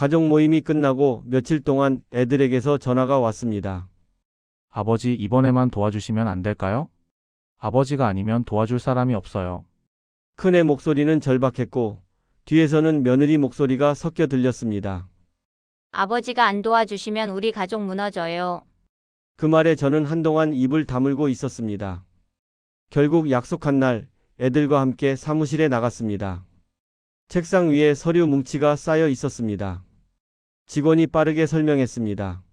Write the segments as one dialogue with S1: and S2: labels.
S1: 가족 모임이 끝나고 며칠 동안 애들에게서 전화가 왔습니다.
S2: 아버지, 이번에만 도와주시면 안 될까요? 아버지가 아니면 도와줄 사람이 없어요.
S1: 큰애 목소리는 절박했고 뒤에서는 며느리 목소리가 섞여 들렸습니다.
S3: 아버지가 안 도와주시면 우리 가족 무너져요.
S1: 그 말에 저는 한동안 입을 다물고 있었습니다. 결국 약속한 날 애들과 함께 사무실에 나갔습니다. 책상 위에 서류 뭉치가 쌓여 있었습니다. 직원이 빠르게 설명했습니다.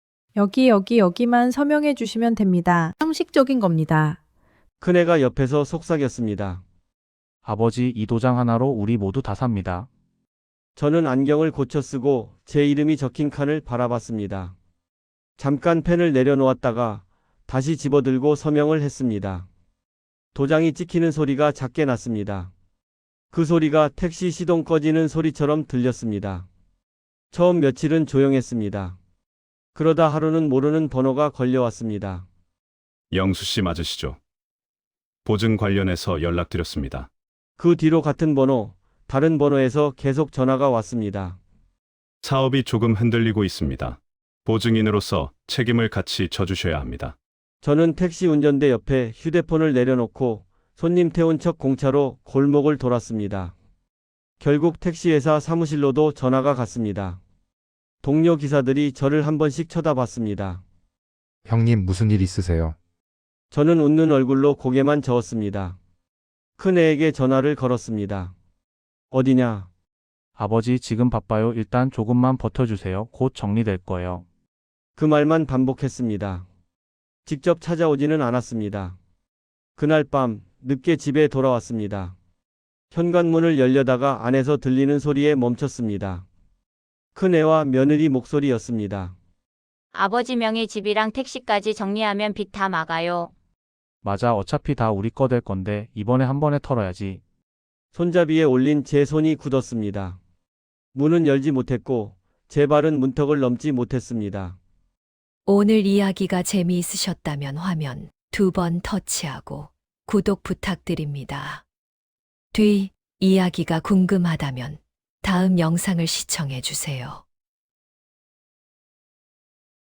S4: 여기만 서명해 주시면 됩니다. 형식적인 겁니다.
S1: 큰애가 옆에서 속삭였습니다.
S2: 아버지, 이 도장 하나로 우리 모두 다 삽니다.
S1: 저는 안경을 고쳐 쓰고 제 이름이 적힌 칸을 바라봤습니다. 잠깐 펜을 내려놓았다가 다시 집어들고 서명을 했습니다. 도장이 찍히는 소리가 작게 났습니다. 그 소리가 택시 시동 꺼지는 소리처럼 들렸습니다. 처음 며칠은 조용했습니다. 그러다 하루는 모르는 번호가 걸려왔습니다.
S5: 영수 씨 맞으시죠? 보증 관련해서 연락드렸습니다.
S1: 그 뒤로 같은 번호, 다른 번호에서 계속 전화가 왔습니다.
S5: 사업이 조금 흔들리고 있습니다. 보증인으로서 책임을 같이 져주셔야 합니다.
S1: 저는 택시 운전대 옆에 휴대폰을 내려놓고 손님 태운 척 공차로 골목을 돌았습니다. 결국 택시회사 사무실로도 전화가 갔습니다. 동료 기사들이 저를 한 번씩 쳐다봤습니다.
S6: 형님 무슨 일 있으세요?
S1: 저는 웃는 얼굴로 고개만 저었습니다. 큰애에게 전화를 걸었습니다. 어디냐?
S2: 아버지, 지금 바빠요. 일단 조금만 버텨주세요. 곧 정리될 거예요.
S1: 그 말만 반복했습니다. 직접 찾아오지는 않았습니다. 그날 밤 늦게 집에 돌아왔습니다. 현관문을 열려다가 안에서 들리는 소리에 멈췄습니다. 큰애와 며느리 목소리였습니다.
S3: 아버지 명의 집이랑 택시까지 정리하면 빚 다 막아요.
S2: 맞아, 어차피 다 우리 거 될 건데 이번에 한 번에 털어야지.
S1: 손잡이에 올린 제 손이 굳었습니다. 문은 열지 못했고 제 발은 문턱을 넘지 못했습니다.
S7: 오늘 이야기가 재미있으셨다면 화면 2번 터치하고 구독 부탁드립니다. 뒤 이야기가 궁금하다면 다음 영상을 시청해 주세요.